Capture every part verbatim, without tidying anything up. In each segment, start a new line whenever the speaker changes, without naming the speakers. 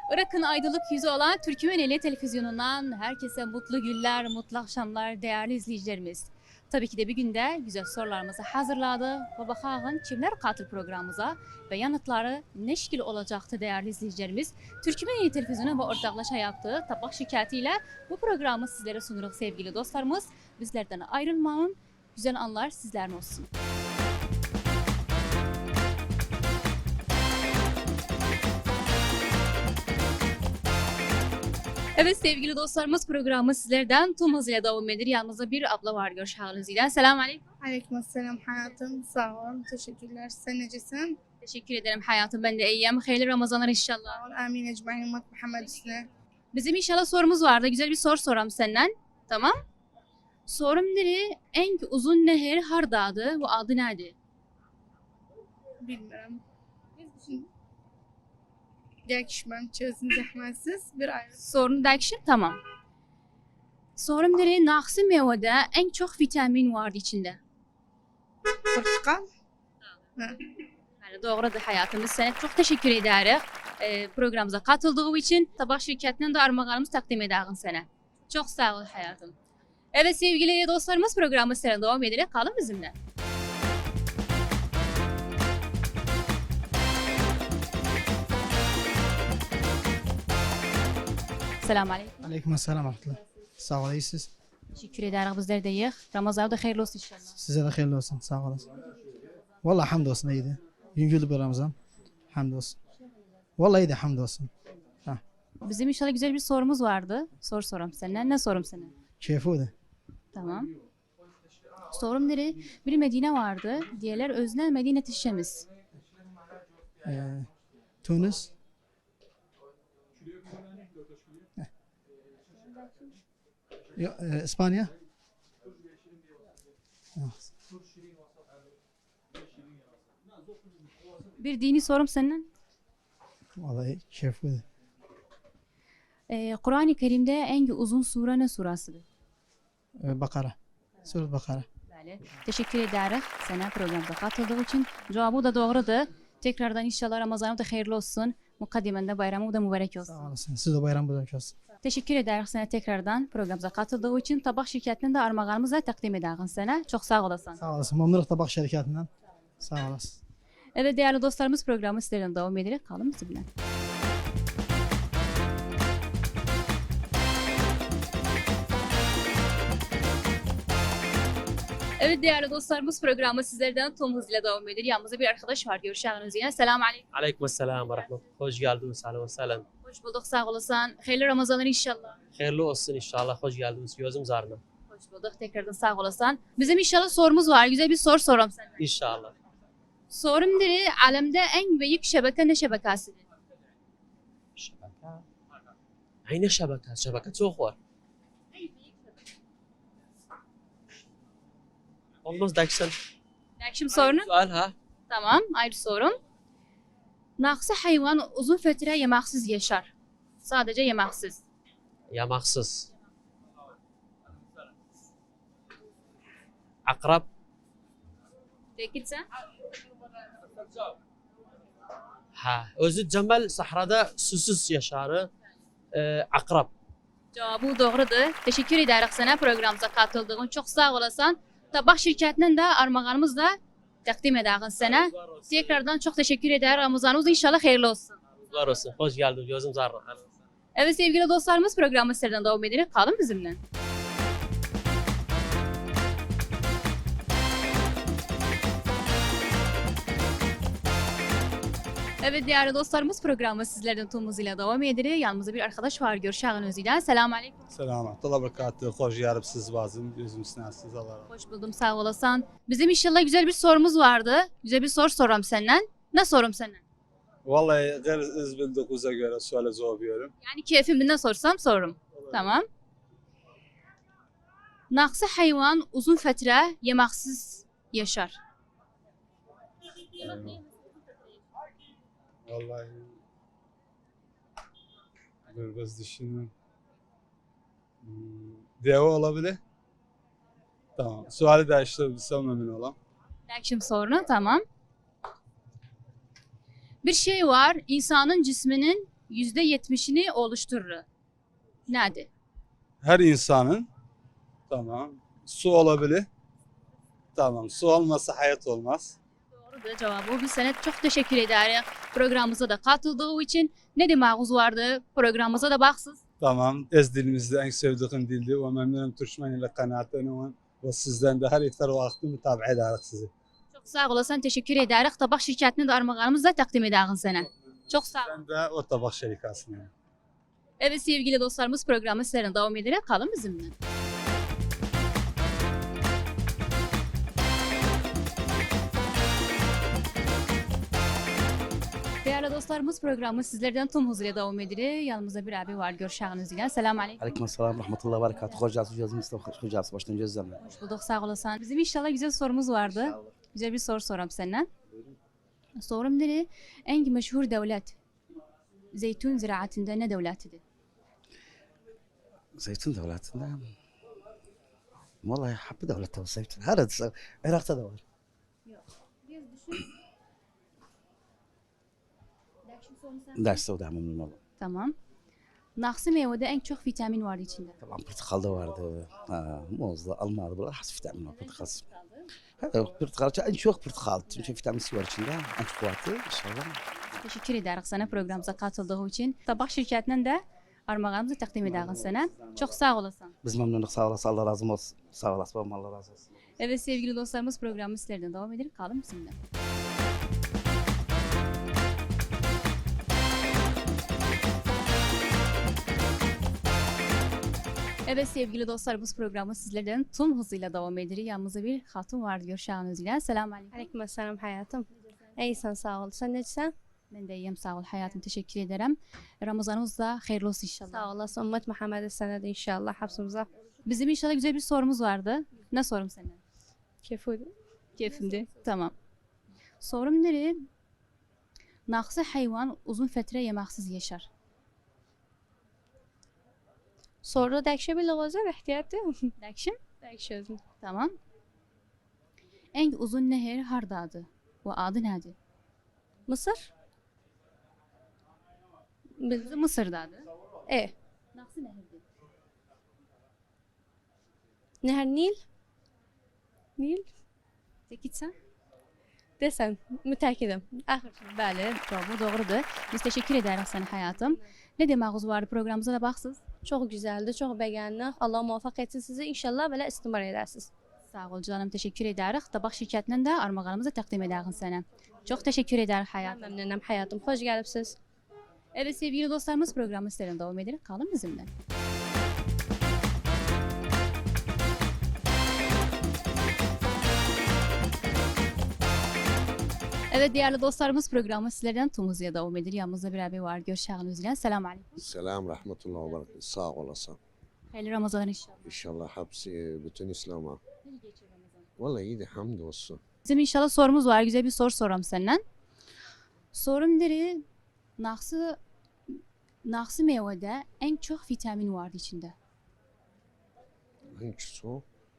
Irak'ın aydınlık yüzü olan Türkmeneli Televizyonu'ndan herkese mutlu günler, mutlu akşamlar değerli izleyicilerimiz. Tabii ki de bir günde güzel sorularımızı hazırladı ve bakalım kimler katıl programımıza ve yanıtları ne şekil olacaktı değerli izleyicilerimiz. Türkmeneli Televizyonu ve ortaklaşa yaptığı tabak şirketiyle bu programı sizlere sunuruz sevgili dostlarımız. Bizlerden ayrılmayın, güzel anlar sizlerin olsun. Evet sevgili dostlarımız programı sizlerden tüm hızıyla devam ediyor. Yanımızda bir abla var görüşeceğiniz ile. Selamun aleyküm.
Aleykümselam hayatım. Sağ ol. Teşekkürler. Sen necesin?
Teşekkür ederim hayatım. Ben de iyiyim. Hayırlı Ramazanlar inşallah.
Sağ ol. Amin ecmaîn ümmet Muhammed üstüne.
Bizim inşallah sorumuz vardı. Güzel bir soru soram senden. Tamam. Sorum neri? En uzun nehir hardadı. Bu adı neydi?
Bilmiyorum. Yakışmam çözün zahmetsiz bir ayrı.
Sorunu değişir. Tamam. Sorum neri? Naksı meyvede en çok vitamin vardı içinde.
Portakal. Ha.
Yani doğrudur hayatım. Biz sana çok teşekkür ederiz. Ee, programımıza katıldığı için tabak şirketinden de armağanımızı takdim ederiz sana. Çok sağ ol hayatım. Evet sevgili dostlarımız programı sizlere devam ederek kalın bizimle. Selamun aleyküm.
Aleykümselam rahmetullah. Sağ ol, iyisiniz.
Teşekkür ederiz bizler de iyi. Ramazan da hayırlı olsun inşallah.
Size de hayırlı olsun, sağ olasın. Vallahi hamdolsun iyiydi. Yüngüldü bir Ramazan. Hamdolsun. Vallahi iyiydi, hamdolsun.
Bizim inşallah güzel bir sorumuz vardı. Sor sorum senden. Ne sorum sana?
Keyfiydi.
Tamam. Sorum nere? Bir Medine vardı. Diğerler özne Medine tişemiz.
Ee, Tunus. Heh. Yo, e, İspanya.
Bir dini sorum senden.
Vallahi keyfiydi.
Ee, Kur'an-ı Kerim'de en uzun sure ne surasıdır?
Ee, Bakara. Sure Bakara.
Böyle. Teşekkür ederiz sana programımıza katıldığı için. Cevabı da doğrudur. Tekrardan inşallah Ramazan'ı da hayırlı olsun. Mukaddimen de bayramı da mübarek olsun.
Sağ olasın. Siz de bayram mübarek olsun.
Teşekkür ederiz sana tekrardan programımıza katıldığı için. Tabak şirketinden de armağanımızı takdim ederiz sana. Çok sağ olasın.
Sağ olasın. Memnunum tabak şirketinden. Sağ olasın.
Evet değerli dostlarımız programı sizlerden devam ederek kalın bizimle. Evet değerli dostlarımız programı sizlerden tüm hızıyla devam ediyor. Yanımızda bir arkadaş var. Görüşeceğiniz yine. Selamun aleyküm.
Aleykümselam ve rahmetullah. Hoş geldiniz. Selam selam.
Hoş bulduk. Sağ olasın. Hayırlı Ramazanlar inşallah.
Hayırlı olsun inşallah. Hoş geldiniz. Gözüm zarına.
Hoş bulduk. Tekrardan sağ olasın. Bizim inşallah sorumuz var. Güzel bir soru sorum sana.
İnşallah.
Sorum diri alemde en büyük şebeke ne şebekesidir?
Şebeke. Aynı şebeke. Şebeke çok var. Olmaz daksan.
Şimdi sorunu.
Sual ha.
Tamam. Ayrı sorum. Naksı hayvan uzun süre yemeksiz yaşar. Sadece yemeksiz.
Yamaksız. Akrab.
Değilse?
Ha. Özü Cemal sahrada susuz yaşarı. Ee, akrab.
Cevabı doğrudur. Teşekkür ederiz sana programımıza katıldığın. Çok sağ olasın. Tabak şirketinden de armağanımızla takdim ederiz sana. Tekrardan çok teşekkür ederim. Ramazanımız inşallah hayırlı olsun.
Var olsun. Hoş geldin. Gözüm zarına.
Evet sevgili dostlarımız programı sizlerden devam ederek kalın bizimle. Evet değerli dostlarımız programı sizlerden tüm hızıyla devam ediyor. Yanımızda bir arkadaş var. Görüşeceğiniz ile. Selamun aleyküm.
Selamat. Allah berekatü. Hoş yarıp siz bazım. Gözüm sinasiz. Allah razı olsun.
Hoş buldum sağ olasın. Bizim inşallah güzel bir sorumuz vardı. Güzel bir soru soram senden. Ne sorum senden?
Vallahi gayr iz bildiğinize göre suale cevap veriyorum.
Yani keyfimden sorsam sorum. Tamam. Naksı hayvan uzun süre yemeksiz yaşar.
Vallahi dur biraz düşünün. Hmm, Deve olabilir. Tamam. Suali değiştirebilsem emin olam.
Şimdi sorunu tamam. Bir şey var insanın cisminin yüzde yetmişini oluşturur. Nedir?
Her insanın tamam su olabilir. Tamam su olmasa hayat olmaz.
Doğrudur cevabı. Biz sana çok teşekkür ederiz. Programımıza da katıldığı için. Ne demağınız vardı? Programımıza da baksız.
Tamam ez dilimizde en sevdiğim dildi ve memnunum Türkmen ile kanaatlanıyorum. Ve sizden de her iftar vakti mutabaa ederiz sizi.
Çok sağ olasın. Teşekkür ederiz. Tabak şirketini de armağanımızla takdim ederiz sana. Çok sağ ol.
Ben de o tabak şerikasına.
Evet sevgili dostlarımız programı sizlerine devam ederek kalın bizimle. Değerli dostlarımız programı sizlerden tüm hızıyla devam ediyor. Yanımızda bir abi var görüşeceğiniz ile. Selamun aleyküm.
Aleyküm selam, rahmetullah, berekat. Hoş geldiniz, gözüm Mustafa, hoş geldiniz, baştan gözlemle.
Hoş bulduk sağ olasın. Bizim inşallah güzel sorumuz vardı. Güzel bir soru soram senden. Sorum nere? En meşhur devlet zeytun ziraatinde ne devletidir?
Zeytin devletinde. Vallahi happı devlette o zeytin. Her adı, Irak'ta da var. Derste o da memnun oldum.
Tamam. Naksı meyvede en çok vitamin var içinde.
Tamam, portakalda vardı, ha, muzda, almada, bunlar has vitamin var, portakal. Ha, portakal, en çok portakal, çünkü vitamin C var içinde, en çok kuvvetli, inşallah.
Teşekkür ederiz sana programımıza katıldığı için. Tabak şirketinden de armağanımızı takdim ederiz sana. Çok sağ olasın.
Biz memnunuz, sağ olasın, Allah razı olsun. Sağ olasın, babam Allah razı olsun.
Evet sevgili dostlarımız programı sizlerden devam edelim. Kalın bizimle. Evet sevgili dostlarımız programı sizlerden tüm hızıyla devam ediyor. Yanımızda bir hatun var görüşeceğiniz ile. Selamun aleyküm.
Aleyküm selam hayatım. İyisin sağ ol. Sen nesin?
Ben de iyiyim sağ ol hayatım teşekkür ederim. Ramazanınız da hayırlı olsun inşallah.
Sağ olasın. Ümmet Muhammed'e sana da inşallah hapsımıza.
Bizim inşallah güzel bir sorumuz vardı. Ne sorum senden?
Keyfudi.
Keyfimde. Tamam. Sorum nereye? Naksı hayvan uzun fetre yemeksiz yaşar.
Sonra dekşe bir lağızı ihtiyatı.
Dakşim?
Dekşe.
Tamam. En uzun nehir hardadı? O adı nedir?
Mısır? Bil.
Bizim Mısır'dadı.
E.
Naksı nehirdi.
Nehir Nil. Nil.
Tekitsen?
Desen. Müteakkidim. Ahir.
Bəli, cavabı doğrudur. Biz teşekkür ederiz sana hayatım. Ne demağınız vardı programımıza da baksız.
Çok güzeldi. Çok beğendik. Allah muvaffak etsin sizi. İnşallah böyle istimar edersiniz.
Sağ ol canım, teşekkür ederiz. Tabak şirketinden de armağanımızı takdim ederiz sana. Çok teşekkür ederiz
Ben
hayatım.
memnunum hayatım. Hoş geldiniz.
Evet sevgili dostlarımız programı sizlerden devam edelim. Kalın bizimle. Evet değerli dostlarımız programı sizlerden tüm hızıyla devam ediyor. Yanımızda bir abi var. Görüşeceğiniz ile. Selamun aleyküm.
Selam rahmetullah ve berekatuhu. Sağ olasın.
Hayırlı Ramazan inşallah.
İnşallah hepsi bütün İslam'a. Vallahi iyiydi hamdolsun.
Bizim inşallah sorumuz var. Güzel bir soru soram senden. Sorum deri naksı naksı meyvede en çok vitamin vardı içinde.
Hangisi?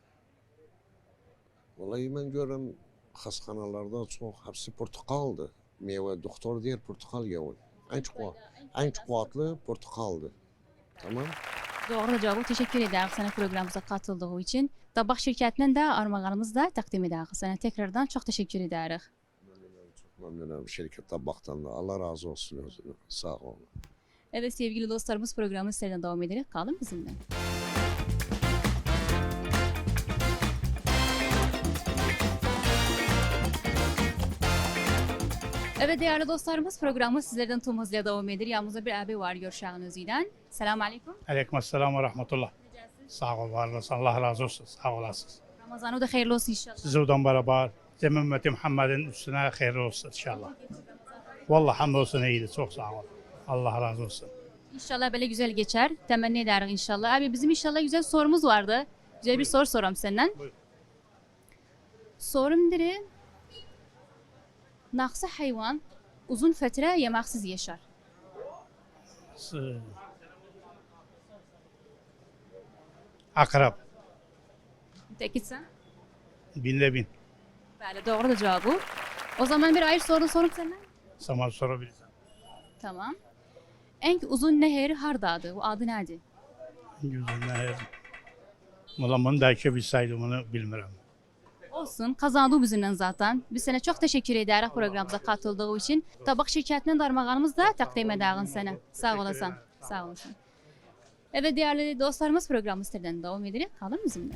Vallahi ben görürüm hastanelarda çok hepsi portakaldı. Meyve doktor diyor portakal yiyor. En çok en çok kuvvetli portakaldı. Tamam.
Doğru cevabı teşekkür ederim sana programımıza katıldığı için. Tabak şirketinden de armağanımızı da takdim ederiz. Sana tekrardan çok teşekkür ederiz.
Memnunum, çok memnunum şirket tabaktan da. Allah razı olsun. özüne. Sağ olun.
Evet sevgili dostlarımız programı sizlerden devam ederek kalın bizimle. Evet değerli dostlarımız programı sizlerden tüm hızıyla devam ediyor. Yanımızda bir abi var görüşeceğiniz ile. Selamun aleyküm.
Aleykümselam ve rahmetullah. Sağ ol, var olasın. Allah razı olsun. Sağ olasınız.
Ramazanı da hayırlı olsun inşallah.
Sizden beraber Cem ümmeti Muhammed'in üstüne hayırlı olsun inşallah. Vallahi hamdolsun iyiydi. Çok sağ ol. Allah razı olsun.
İnşallah böyle güzel geçer. Temenni ederiz inşallah. Abi bizim inşallah güzel sorumuz vardı. Güzel bir soru soram senden.
Buyur.
Sorum diri. Naksı hayvan uzun fetre yemeksiz yaşar.
S- Akrab.
Tekitsen?
Binde bin.
Bəli, doğrudur cevabı. O zaman bir ayrı soru sorup senden.
Sana sorabilirsin.
Tamam. En uzun nehir hardadır? O adı nedir?
Güzel. Valla bunu da bilseydim onu bilmiyorum.
Olsun, kazandı bizimle zaten. Bir sene çok teşekkür ederiz programımıza katıldığı için. Tabak şirketinden darmağanımız da takdim ederiz sana. Sağ olasın. Sağ olasın. Evet değerli dostlarımız programımız sizlerden devam edelim. Kalın bizimle.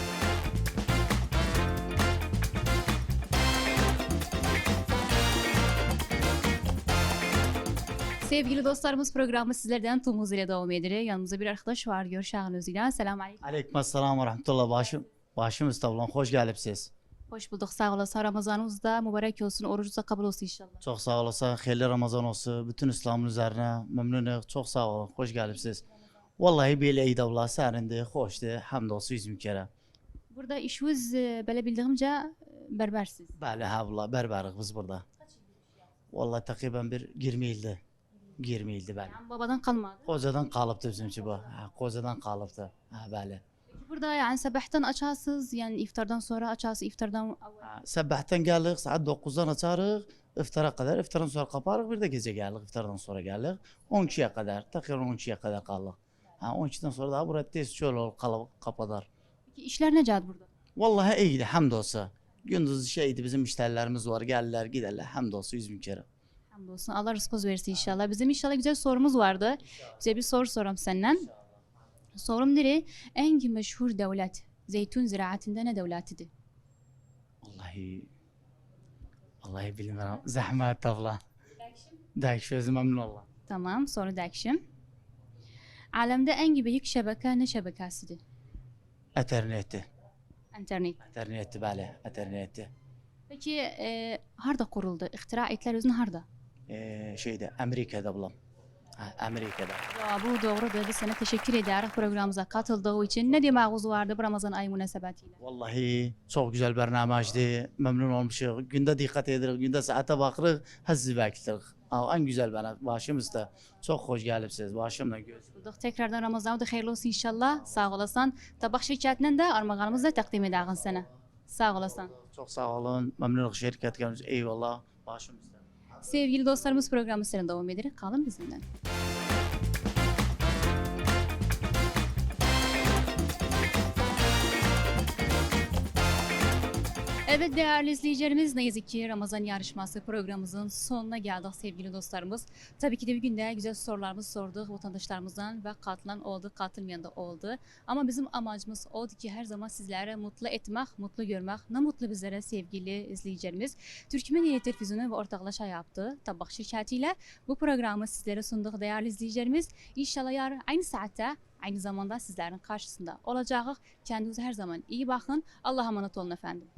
Sevgili dostlarımız programı sizlerden tüm hızıyla devam ediyor. Yanımızda bir arkadaş var. Görüşen özüyle. Selamun aleyküm.
Aleykümselam ve rahmetullah başım. Başım üstadlan hoş geldiniz.
Hoş bulduk. Sağ olasın. Ramazanınız da mübarek olsun. Orucunuz da kabul olsun inşallah.
Çok sağ olasın. Hayırlı Ramazan olsun. Bütün İslam'ın üzerine memnunum. Çok sağ olun. Hoş geldiniz. Vallahi böyle iyi davla serindi. Hoştu. Hamdolsun yüz kere.
Burada işiniz e, böyle bildiğimce berbersiz.
Bəli, hə valla berberik biz burada. Vallahi takriben bir yirmi ildi. yirmi ildi bəli.
Yani babadan kalmadı.
Kocadan kalıptı bizimki bu. Ha, kocadan kalıptı. Ha, bəli.
Burada yani sabahtan açarsınız. Yani iftardan sonra açarsınız. İftardan
Ha, Sabahtan geldik saat dokuzdan açarıq. İftara kadar. İftardan sonra kaparıq. Bir de gece geldik. İftardan sonra geldik. on ikiye kadar. Takriben on ikiye kadar kaldık. Ha, on ikiden sonra daha burada tez şöyle ol kalıp kapadar.
Peki işler ne cad burada?
Vallahi iyiydi hamdolsun. Gündüz şeydi bizim müşterilerimiz var. Gelirler giderler. Hamdolsun yüz bin kere.
Hamdolsun. Allah rızkınız versin inşallah. Bizim inşallah güzel sorumuz vardı. Bize bir soru sorum senden. Sorum nere? En meşhur devlet zeytun ziraatinde ne devletidir?
Vallahi Vallahi bilmiyorum. Zahmet abla. Dayık özüm memnun oldum.
Tamam. Soru dakşim. Alemde en büyük şebeke ne şebekesidir?
Eterneti.
İnternet.
Eterneti bəli. Eterneti.
Peki e, harda kuruldu? İhtira ettiler özün harda?
Ee, şeyde Amerika'da bulam. Ha, Amerika'da.
Ya bu doğrudur. Biz sana teşekkür ederiz programımıza katıldığı için. Ne demağınız vardı bu Ramazan ayı münasebetiyle?
Vallahi çok güzel bernamajdı. Memnun olmuşuz. Günde dikkat edirik. Günde saate bakırıq. Həzzi beklirik. En güzel bana başımızda. Çok hoş gelipsiz. Başımla göz.
Bulduk. Tekrardan Ramazan'ı da hayırlı olsun inşallah. Sağ olasın. Tabak şirketinden de armağanımızı da takdim ederiz sana. Sağ olasın.
Çok sağ olun. Memnunum şirket gelmiş. Eyvallah. Başımızda.
Sevgili dostlarımız programı senin devam ederek kalın bizimle. Evet değerli izleyicilerimiz ne yazık ki Ramazan yarışması programımızın sonuna geldik sevgili dostlarımız. Tabii ki de bir günde güzel sorularımızı sorduk vatandaşlarımızdan ve katılan oldu, katılmayan da oldu. Ama bizim amacımız oldu ki her zaman sizlere mutlu etmek, mutlu görmek. Ne mutlu bizlere sevgili izleyicilerimiz. Türkmen Televizyonu ve ortaklaşa yaptığı Tabak şirketiyle bu programı sizlere sunduk değerli izleyicilerimiz. İnşallah yarın aynı saatte aynı zamanda sizlerin karşısında olacağız. Kendinize her zaman iyi bakın. Allah'a emanet olun efendim.